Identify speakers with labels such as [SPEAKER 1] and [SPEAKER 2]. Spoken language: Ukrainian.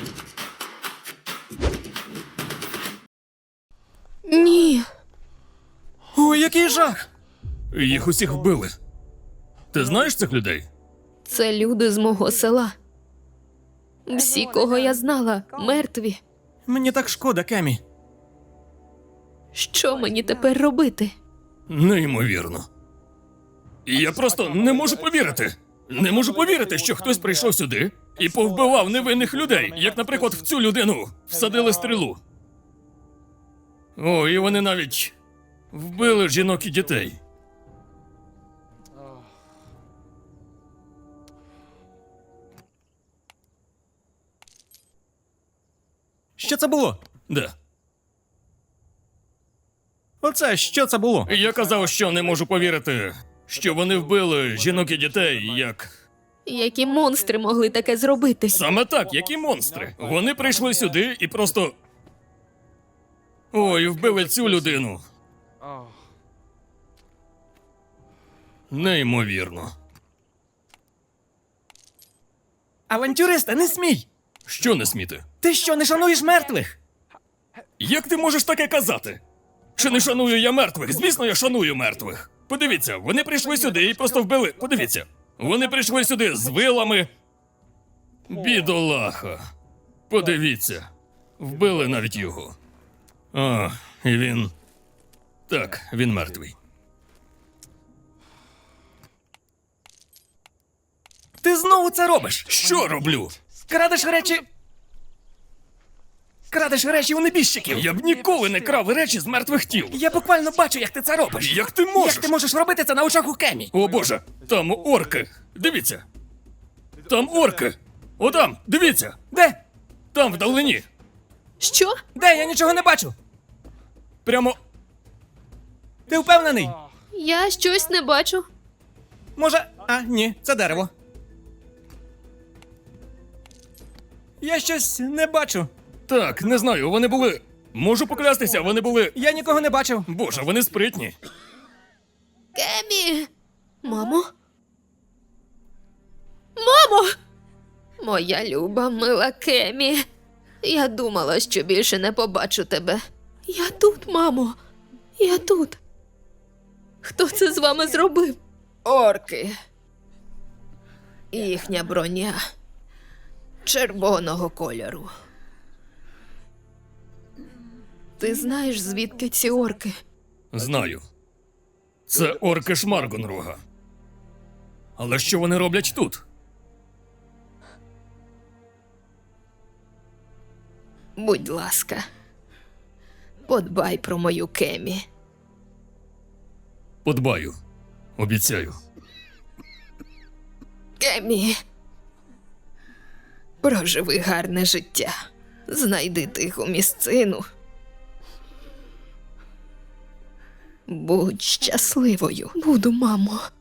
[SPEAKER 1] Ні.
[SPEAKER 2] Ой, який жах!
[SPEAKER 3] Їх усіх вбили. Ти знаєш цих людей?
[SPEAKER 1] Це люди з мого села. Всі, кого я знала, мертві.
[SPEAKER 2] Мені так шкода, Кемі.
[SPEAKER 1] Що мені тепер робити?
[SPEAKER 3] Неймовірно. Я просто не можу повірити. Не можу повірити, що хтось прийшов сюди і повбивав невинних людей, як, наприклад, в цю людину всадили стрілу. О, і вони навіть вбили жінок і дітей.
[SPEAKER 2] Що це було?
[SPEAKER 3] Де?
[SPEAKER 2] Оце, що це було?
[SPEAKER 3] Я казав, що не можу повірити, що вони вбили жінок і дітей, як...
[SPEAKER 1] Які монстри могли таке зробити?
[SPEAKER 3] Саме так, які монстри. Вони прийшли сюди і просто... Ой, вбили цю людину. Неймовірно.
[SPEAKER 2] Авантюриста, не смій!
[SPEAKER 3] Що не сміти?
[SPEAKER 2] Ти що, не шануєш мертвих?
[SPEAKER 3] Як ти можеш таке казати? Чи не шаную я мертвих? Звісно, я шаную мертвих. Подивіться, вони прийшли сюди і просто вбили. Подивіться. Вони прийшли сюди з вилами. Бідолаха. Подивіться. Вбили навіть його. А, і він... Так, він мертвий.
[SPEAKER 2] Ти знову це робиш!
[SPEAKER 3] Що роблю?
[SPEAKER 2] Крадеш речі... Крадеш речі у небіжчиків!
[SPEAKER 3] Я б ніколи не крав речі з мертвих тіл.
[SPEAKER 2] Я буквально бачу, як ти це робиш!
[SPEAKER 3] Як ти можеш?
[SPEAKER 2] Як ти можеш робити це на очах у Кемі?
[SPEAKER 3] О боже, там орки. Дивіться. Там орки. О там, дивіться.
[SPEAKER 2] Де?
[SPEAKER 3] Там вдалині.
[SPEAKER 1] Що?
[SPEAKER 2] Де? Я нічого не бачу!
[SPEAKER 3] Прямо...
[SPEAKER 2] Ти впевнений?
[SPEAKER 1] Я щось не бачу.
[SPEAKER 2] Може... А, ні, це дерево. Я щось не бачу.
[SPEAKER 3] Так, не знаю, вони були... Можу поклястися, вони були...
[SPEAKER 2] Я нікого не бачив.
[SPEAKER 3] Боже, вони спритні.
[SPEAKER 1] Кемі! Мамо? Мамо! Моя люба, мила Кемі. Я думала, що більше не побачу тебе. Я тут, мамо. Я тут. Хто це з вами зробив? Орки. Їхня броня червоного кольору. Ти знаєш, звідки ці орки?
[SPEAKER 3] Знаю. Це орки Шмаргонрога. Але що вони роблять тут?
[SPEAKER 1] Будь ласка, подбай про мою Кемі.
[SPEAKER 3] Подбаю. Обіцяю.
[SPEAKER 1] Кемі, проживи гарне життя. Знайди тиху місцину. Будь щасливою. Буду, мамо.